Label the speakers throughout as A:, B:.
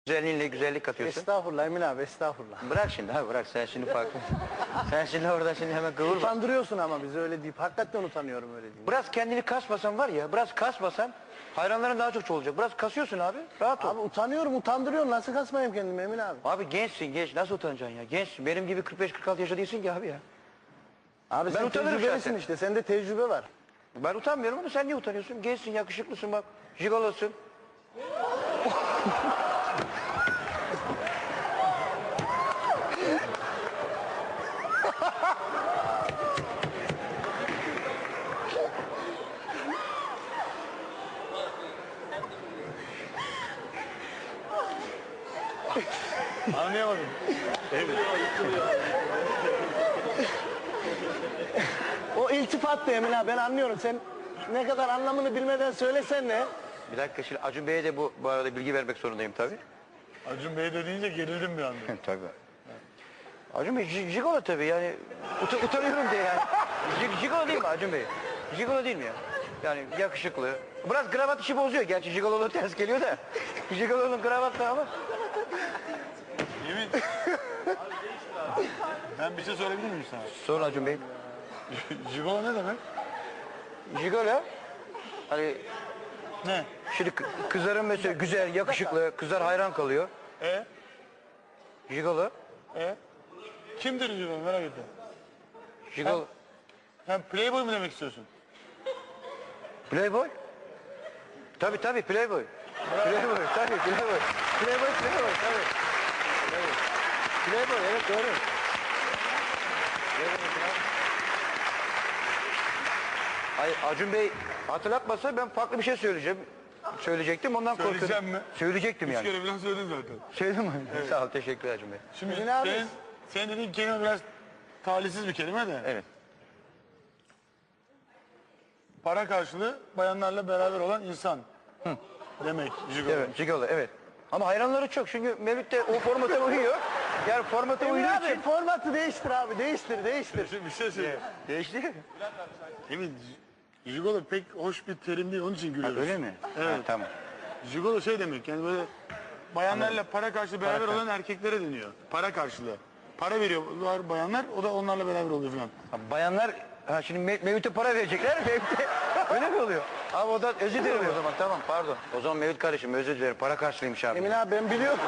A: Güzelliğinle güzellik katıyorsun.
B: Estağfurullah Emin abi, estağfurullah.
A: Bırak şimdi abi, bırak sen şimdi farklı. Sen şimdi orada şimdi hemen kıvırma.
B: Utandırıyorsun ama bizi öyle deyip. Hakikaten utanıyorum öyle deyip.
A: Biraz kendini kasmasan var ya, biraz kasmasan hayranların daha çok olacak. Biraz kasıyorsun abi, rahat ol.
B: Abi utanıyorum, utandırıyorsun. Nasıl kasmayayım kendimi Emin abi?
A: Abi gençsin, genç, nasıl utanacaksın ya? Gençsin, benim gibi 45-46 yaşında değilsin ki abi ya.
B: Abi sen
A: utanırım
B: tecrübelisin
A: şahsen.
B: işte, sende tecrübe var.
A: Ben utanmıyorum ama sen niye utanıyorsun? Gençsin, yakışıklısın bak, jigolosun.
B: Anlayamadım. O iltifattı Emin abi, ben anlıyorum. Sen ne kadar anlamını bilmeden söylesen ne?
A: Bir dakika, şimdi Acun Bey'e de bu arada bilgi vermek zorundayım tabii.
C: Acun Bey de deyince gerildim bir anda.
A: Tabii. Acun Bey jigolo tabii yani utanıyorum diye yani. Jigolo değil mi Acun Bey? Jigolo değil mi ya? Yani yakışıklı. Biraz kravat işi bozuyor gerçi, jigololuğu ters geliyor da. Jigololuğun kravat da ama.
C: Yemin. Ben bir şey söyleyebilir miyim sana?
A: Sorun Acun Bey.
C: Jigolo ne demek?
A: Jigolo hani
C: Ne?
A: şimdi kızların mesela güzel, yakışıklı, kızlar hayran kalıyor. Jigolo.
C: Kimdir Jigolo, merak ettim.
A: Jigolo.
C: Sen playboy mu demek istiyorsun?
A: Playboy? Tabii tabii Playboy. Playboy tabii Playboy. Playboy tabii. Playboy evet doğru. Hayır Acun Bey hatırlatmasa ben farklı bir şey söyleyecektim ondan korkuyorum.
C: Söyleyeceğim mi?
A: Söyleyecektim
C: Üç
A: yani.
C: kere falan söyledin zaten.
A: Söyledim mi? Sağ ol, teşekkür Acun Bey.
C: Şimdi
B: Emin abi.
C: senin dediğin kelime biraz talihsiz bir kelime de.
A: Evet.
C: Para karşılığı bayanlarla beraber olan insan. Demek Jigolo.
A: Evet, Jigolo evet. Ama hayranları çok çünkü Mevlüt de o formata uyuyor. Yani formata
B: Emin
A: uyduğu
B: abi
A: için.
B: formatı değiştir abi, değiştir.
C: Şimdi bir şey söyleyeyim.
A: Değişti.
C: Emin, Jigolo pek hoş bir terim değil, onun için gülüyoruz.
A: Öyle mi?
C: Evet.
A: Ha, tamam.
C: Jigolo şey demek, yani böyle bayanlarla para karşılığı beraber
A: Para
C: olan erkeklere deniyor. Para karşılığı. Para veriyorlar bayanlar, o da onlarla beraber oluyor falan.
A: Ha, bayanlar şimdi Mevlüt'e para verecekler. Mevlüt'e öyle mi oluyor? Abi o da özür dilerim o zaman tamam pardon. O zaman Mevlüt kardeşim özür dilerim. Para karşılıymış abi.
B: Emin abi ben biliyorum.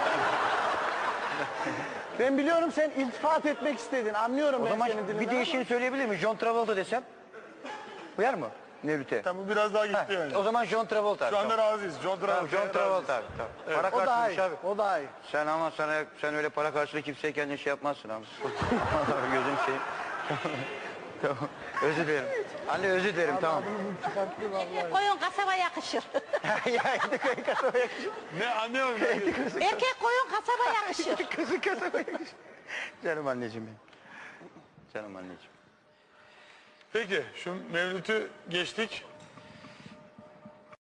B: Ben biliyorum sen iltifat etmek istedin. Anlıyorum
A: O
B: ben
A: zaman
B: senin dilinden.
A: bir değişini söyleyebilir miyim? John Travolta desem. Uyar mı Mevlüt'e?
C: Tamam, bu biraz daha gitti
A: Ha,
C: yani.
A: o zaman John Travolta abi.
C: Şu anda
A: tamam.
C: razıyız. John
A: Tamam,
C: Travolta.
A: John Travolta abi. Tamam. Para
B: O daha
A: karşılıymış
B: iyi.
A: abi.
B: O daha iyi.
A: Sen ama sen öyle para karşılığı kimseye kendin şey yapmazsın abi. Vallahi gözüm şey. Tamam. Özür dilerim. Anne özür dilerim tamam.
D: Koyun kasaba yakışır.
A: Ya indi koyun kasaba yakışır.
C: Ne anlıyorum ben.
D: Erkek koyun kasaba yakışır.
A: Kızın kasaba yakışır. Canım anneciğim benim. Canım anneciğim.
C: Peki, şu Mevlüt'ü geçtik.